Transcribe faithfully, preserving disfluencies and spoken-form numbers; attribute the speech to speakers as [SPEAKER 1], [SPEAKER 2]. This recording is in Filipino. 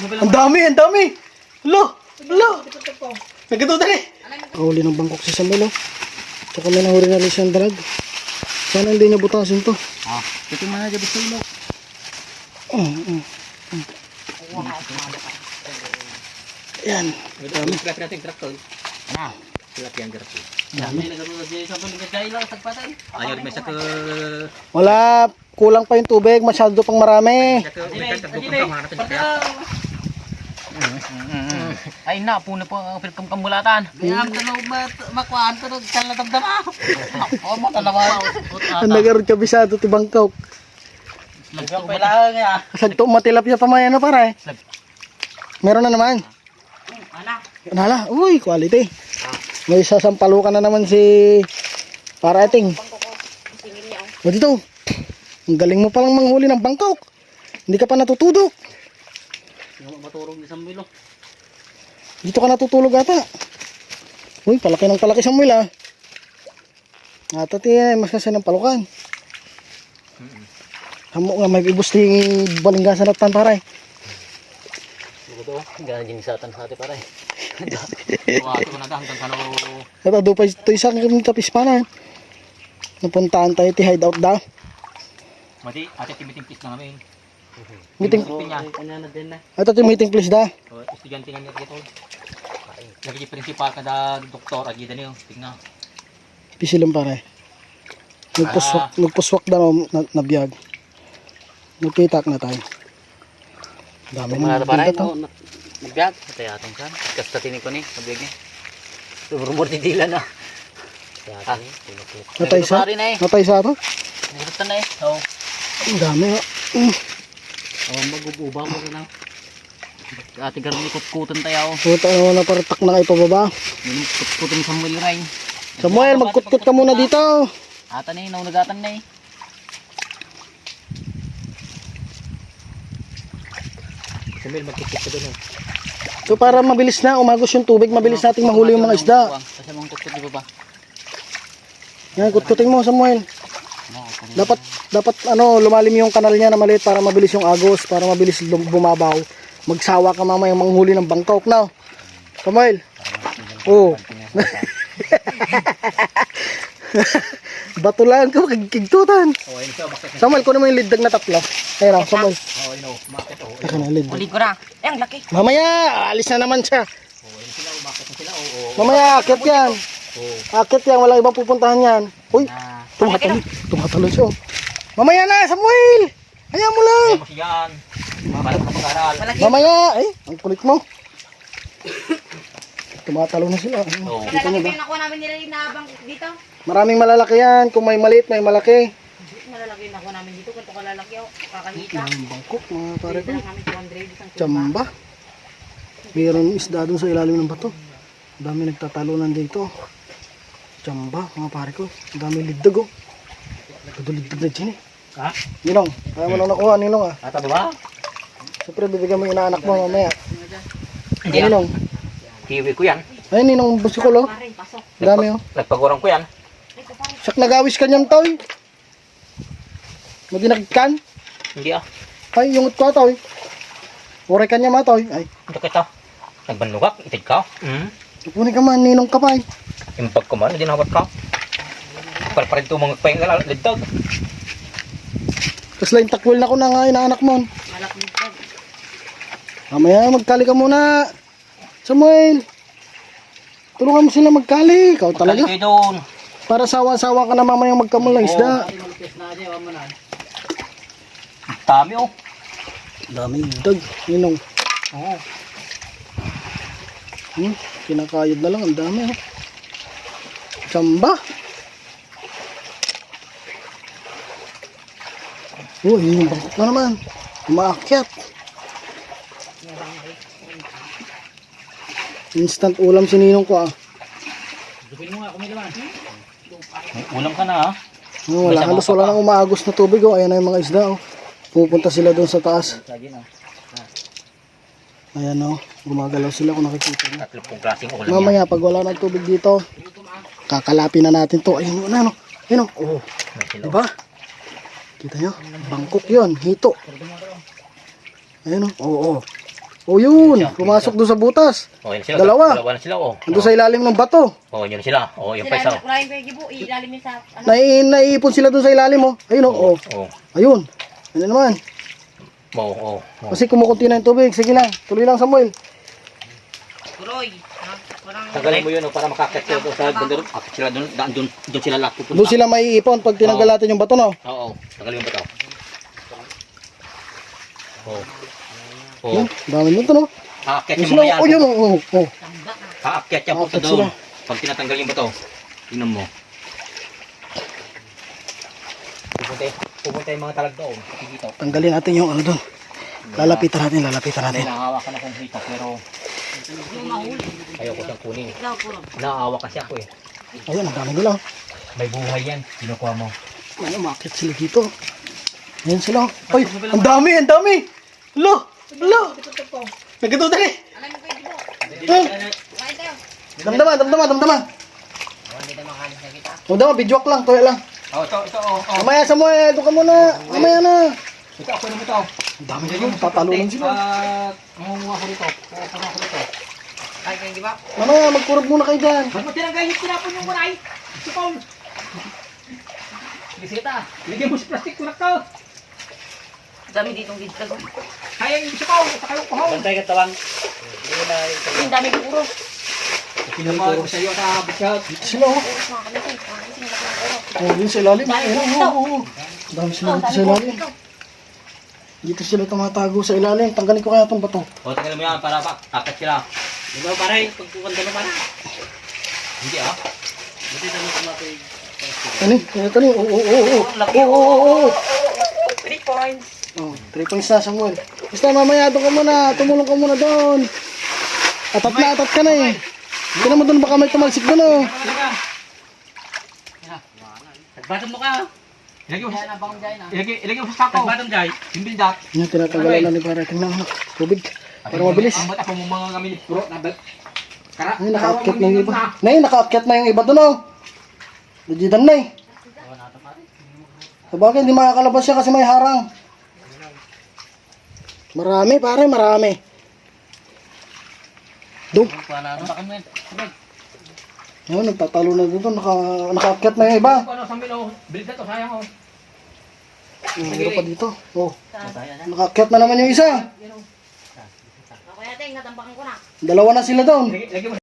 [SPEAKER 1] Ang dami, ang dami. Lo, lo. Nagkatutan eh. Huli ng bangkok si Samuel, oh. Tsaka may nahuri na rin siyang dalag. Sana hindi niya butasin to.
[SPEAKER 2] Ah, ito mga gabi sa ilo.
[SPEAKER 1] Oh, oh, oh. Yan.
[SPEAKER 2] Dami. Grab natin traktor. Ah, silap yan traktor. Dami. Ayaw rin may sa ke...
[SPEAKER 1] Wala, kulang pa yung tubig, masyado pang marami.
[SPEAKER 2] Ay na, puno po ang pilkam kamulatan. Kaya ang tanaw makuhaan to, kala damdama. Oo mo, talawa.
[SPEAKER 1] Ang nagaroon kabisado ti bangkok.
[SPEAKER 2] Lagyan pa lang ya.
[SPEAKER 1] Sagto matilapya pa may ano para eh. Meron na naman.
[SPEAKER 2] Ana.
[SPEAKER 1] Nala, uy, quality. May sasampalukan na naman si Parating. O dito. Ang galing mo palang manghuli ng bangkok. Hindi ka pa natutudok.
[SPEAKER 2] Maturog ni Samuel.
[SPEAKER 1] Dito ka natutulog ata. Uy, palaki ng palaki Samuel ah. Ata tiyan, mas kasi ng palukan. Hamo nga may ibusting balinggasan at tan paray.
[SPEAKER 2] Ito, ganyan ginisatan sa ate paray. Wato ko na hanggang kano.
[SPEAKER 1] Ito, doon ito isang tapis pa na. Napuntaan tayo ti hideout daw.
[SPEAKER 2] Mati, ate timiting-pis na kami.
[SPEAKER 1] Meeting.
[SPEAKER 2] Kanya na din na.
[SPEAKER 1] Ito ti meeting please da.
[SPEAKER 2] Estudyante nga niya dito. Lagi principal kada doktor agi dani oh. Tingnan.
[SPEAKER 1] Pisilong pare. Nagpuswak, nagpuswak daw na, nabiyag. Nagpitak na tayo. Dami na
[SPEAKER 2] pare
[SPEAKER 1] to.
[SPEAKER 2] Nagbiag. Ito yatong kan. Kasta tinig ko ni. Nabiyag niya. Rumor di dila na. Ah,
[SPEAKER 1] Natay sa? Natay sa ito?
[SPEAKER 2] Nagbutan na eh. Oo.
[SPEAKER 1] Ang dami ha. Mm.
[SPEAKER 2] Oh, magububa mo na. Ate garmi kutkutan tayo.
[SPEAKER 1] Puta ano na paratak na kayo pababa.
[SPEAKER 2] Minum kutkutan ni Samuel Rain.
[SPEAKER 1] Samuel, magkutkut ka muna dito.
[SPEAKER 2] Ata na eh, naunagatan na eh. Samuel, magkutkut ka doon.
[SPEAKER 1] So para mabilis na, umagos yung tubig, mabilis nating mahuli yung mga isda.
[SPEAKER 2] Kasi mong kutkut di ba ba?
[SPEAKER 1] Yan, kutkutin mo Samuel. Dapat dapat ano lumalim yung kanal niya na maliit para mabilis yung agos, para mabilis bumabaw. Magsawa ka mamaya manghuli ng bangkok na. Samuel. Oh. Bato lang ka kigtutan. Samuel, kuno mo yung liddag na tatlo. Ayun oh, Samuel.
[SPEAKER 2] Oh, ino, bakit oh.
[SPEAKER 1] Ito na liddag.
[SPEAKER 2] Uli ko na. Eh, ang laki.
[SPEAKER 1] Mamaya, alis na naman siya.
[SPEAKER 2] Oh, yun sila, bakit sila. Oo.
[SPEAKER 1] Mamaya, akit yan.
[SPEAKER 2] Oh.
[SPEAKER 1] Akit yan, wala ibang pupuntahan yan. Uy, tumatalo. Tumatalo siya. Mamaya na, Samuel. Hayaan mo lang.
[SPEAKER 2] Mas yan. Mabalak na pag-aral.
[SPEAKER 1] Mamaya, eh, ang kulit mo. Tumatalo na sila.
[SPEAKER 2] Oo.
[SPEAKER 1] Dito niyo ba?
[SPEAKER 3] Nakuha namin nila yung nabang dito.
[SPEAKER 1] Maraming malalaki yan. Kung may maliit, may malaki.
[SPEAKER 3] Malalaki yung nakuha namin dito. Kung ito kalalaki ako, kakahita.
[SPEAKER 1] Ang bangkok, mga pare ko.
[SPEAKER 3] Dito lang namin two hundred. Isang tuba.
[SPEAKER 1] Tsamba. Mayroon isda dun sa ilalim ng bato. Ang dami nagtatalunan dito. Tsamba, mga pare ko. Ang dami ligdag oh. Nagkaduligdag na dyan eh.
[SPEAKER 2] Ha?
[SPEAKER 1] Ninong, kaya mo lang nakuha, Ninong ah.
[SPEAKER 2] Ata ba?
[SPEAKER 1] Siyempre, bibigyan mo yung inaanak mo mamaya.
[SPEAKER 2] Hindi
[SPEAKER 1] Ay,
[SPEAKER 2] ah.
[SPEAKER 1] Ninong.
[SPEAKER 2] Kiwi ko yan.
[SPEAKER 1] Ay, Ninong, busikol oh.
[SPEAKER 3] Pare, pasok.
[SPEAKER 1] Ang dami oh.
[SPEAKER 2] Nagpagurang ko yan.
[SPEAKER 3] Ito pare.
[SPEAKER 1] Sak nagawis ka niyang toy. Maginagkan.
[SPEAKER 2] Hindi ah.
[SPEAKER 1] Ay, yung ko toy. Ure ka niya matoy. Ay,
[SPEAKER 2] Ito kita. Nagbanlugak. Itig ka. Hmm.
[SPEAKER 1] kukunin ka man, Ninong ka pa eh.
[SPEAKER 2] Impag ko man. Hindi nawat ka. Palparin ito mga pahingal. Liddag.
[SPEAKER 1] Tapos lang takwil na ko na nga inaanak mo.
[SPEAKER 3] Malak dito.
[SPEAKER 1] Mamaya, magkali ka muna. Samuel. Tulungan mo sila magkali. Ikaw talaga.
[SPEAKER 2] Magkali kayo doon.
[SPEAKER 1] Para sawa-sawa ka na mamaya magkamul ng isda.
[SPEAKER 2] Dami oh.
[SPEAKER 1] Daming dag, Ninong.
[SPEAKER 2] Oo.
[SPEAKER 1] Hmm, kinakayod na lang, ang dami oh. Tsamba. Oh, yun yung bangkok na naman. Umaakyat. Instant ulam si Ninong ko ah.
[SPEAKER 2] May ulam ka na ah.
[SPEAKER 1] Oh, wala, halos wala nang umaagos na tubig oh. Ayan na yung mga isda oh. Pupunta sila doon sa taas. Ayan oh, gumagalaw sila kung nakikita nyo.
[SPEAKER 2] Tatlo pong klaseng ulam yan.
[SPEAKER 1] Mamaya pag wala nang tubig dito, kakalapin na natin to. Ayun na no. Ayun oh. Oh. Diba? Kita nyo? Bangkok yun, hito. Ayun oh. Oo. Oh, oh. O yun, pumasok doon sa butas.
[SPEAKER 2] Oh, yan sila.
[SPEAKER 1] Dalawa.
[SPEAKER 2] Dalawa na sila, oh.
[SPEAKER 1] Ando sa ilalim ng bato.
[SPEAKER 2] Oh, yun sila. Oh, yung pa isa.
[SPEAKER 3] Sila, maraming pwede po, ilalim yun sa, ano,
[SPEAKER 1] Nai naiipon sila doon sa ilalim oh. Ayun oh. oh.
[SPEAKER 2] Oh,
[SPEAKER 1] Ayun. Ano naman?
[SPEAKER 2] oh, oh. oh.
[SPEAKER 1] Kasi kumukunti na yung tubig. Sige lang. Tuloy lang Samuel.
[SPEAKER 3] Kuroy. Ha? Parang,
[SPEAKER 2] Tanggalin mo yun, oh, para makakit sila doon sa bandero. Akit sila doon, daan doon, doon sila lahat pupunta.
[SPEAKER 1] Doon sila maiipon pag tinanggal natin yung bato no.
[SPEAKER 2] Oo, oh, tanggalin mo ba ito? Oh. Oh.
[SPEAKER 1] Yun, dami nito no.
[SPEAKER 2] Aakyat
[SPEAKER 1] Yun
[SPEAKER 2] yung
[SPEAKER 1] sila.
[SPEAKER 2] mga yan.
[SPEAKER 1] Oh yun oh. oh, oh.
[SPEAKER 2] Aakyat yan po
[SPEAKER 1] Aakyat
[SPEAKER 2] doon.
[SPEAKER 1] sila.
[SPEAKER 2] Pag tinatanggal yung bato, tingnan mo. Pupunta, pupunta yung mga talag doon. Dito.
[SPEAKER 1] Tanggalin natin yung ano doon. Lalapitan natin, lalapitan natin.
[SPEAKER 2] Nahawakan akong hita pero
[SPEAKER 3] yung mahuli.
[SPEAKER 2] ayoko siyang kunin.
[SPEAKER 3] Ikaw, Kuroy.
[SPEAKER 2] Naawa kasi ako eh.
[SPEAKER 1] Ayun, ang dami nila. oh.
[SPEAKER 2] May buhay yan. Kinukuha mo.
[SPEAKER 1] Ano, makit sila dito. Ayun sila. oh. Ay, ang dami, ang dami. Lo, lo. Nagkatutan eh.
[SPEAKER 3] Alam mo pwede po.
[SPEAKER 1] Hmm.
[SPEAKER 3] Kain tayo.
[SPEAKER 1] Damdaman, damdaman, damdaman.
[SPEAKER 3] Hindi tayo makalis na kita.
[SPEAKER 1] Damdaman, bidyoak lang, toya lang.
[SPEAKER 2] Oh, ito, ito, oh, oh.
[SPEAKER 1] Mamaya Samuel, doon ka muna. Mamaya na.
[SPEAKER 2] Ito, ako naman ito.
[SPEAKER 1] Ang dami nila, tatalunan sila.
[SPEAKER 2] At mangunguha ko dito. Kukuha ko dito.
[SPEAKER 3] Kain kayo, di ba?
[SPEAKER 1] Mamaya, magkurog muna kayo dyan.
[SPEAKER 2] Ba't mo tinanggal yung tinapon yung maray? Si Paul. Sige, sige ta. Lagyan mo sa plastic kunak ka.
[SPEAKER 3] Dami ditong dito.
[SPEAKER 2] Kaya yung si Paul. Saka yung kuhaw. Bantay ka tawang.
[SPEAKER 3] Ang dami ko, Kuro.
[SPEAKER 2] Pinamahal ko sa iyo sa bisyat.
[SPEAKER 1] Dito sila, oh.
[SPEAKER 3] Kuro, mga kamitin. Mga kamitin, mga kamitin.
[SPEAKER 1] Oh, yun sa ilalim.
[SPEAKER 3] Dami
[SPEAKER 1] Ayun,
[SPEAKER 3] dito.
[SPEAKER 1] oh, oh, oh. Dami sila
[SPEAKER 3] Ikaw,
[SPEAKER 1] dito
[SPEAKER 3] dami
[SPEAKER 1] sa
[SPEAKER 3] ko.
[SPEAKER 1] ilalim.
[SPEAKER 3] Ikaw.
[SPEAKER 1] Dito sila tumatago sa ilalim. Tanggalin ko kaya itong bato.
[SPEAKER 2] O, tingnan mo yan para pa. Akat sila. Di ba paray? Pagkukan ka naman. Hindi ah. Buti na lang kumatay.
[SPEAKER 1] Ano? Kaya ito oh, oh, oh, oh.
[SPEAKER 3] Ang laki.
[SPEAKER 1] Oh, oh, oh, oh.
[SPEAKER 3] Three points.
[SPEAKER 1] Oh, three points na, Samuel. Basta mamaya doon ka muna. Tumulong ka muna doon. Atat na, atat ka na eh. Tignan mo doon, baka may tumalsik doon oh.
[SPEAKER 2] Nagbatam mo ka. Ilagay mo
[SPEAKER 3] Kaya
[SPEAKER 2] sa
[SPEAKER 3] na bang dyan, ah.
[SPEAKER 2] Ilagay, ilagay mo sa sako. Nagbatam jay. Yung bildat.
[SPEAKER 1] Yan, tinatanggalan na ni para. Tingnan mo. Tubig. Para mabilis.
[SPEAKER 2] Ang bata po mo mga kami puro nabal. Kara.
[SPEAKER 1] Ay, nakaakyat na yung iba. Nay, nakaakyat na yung iba doon oh. Legitan na eh. Sabagay, hindi makakalabas siya kasi may harang. Marami, pare, marami. Doon.
[SPEAKER 2] Tapakan mo yan.
[SPEAKER 1] Ayun, nagtatalo na doon. Naka, nakaakyat na yung iba.
[SPEAKER 2] Ano sa milo? Bildat to sayang oh.
[SPEAKER 1] Meron pa dito. Oh, nakaakyat na naman yung isa.
[SPEAKER 3] Ako yata, natambakan ko na.
[SPEAKER 1] Dalawa na sila doon.
[SPEAKER 2] Lagay mo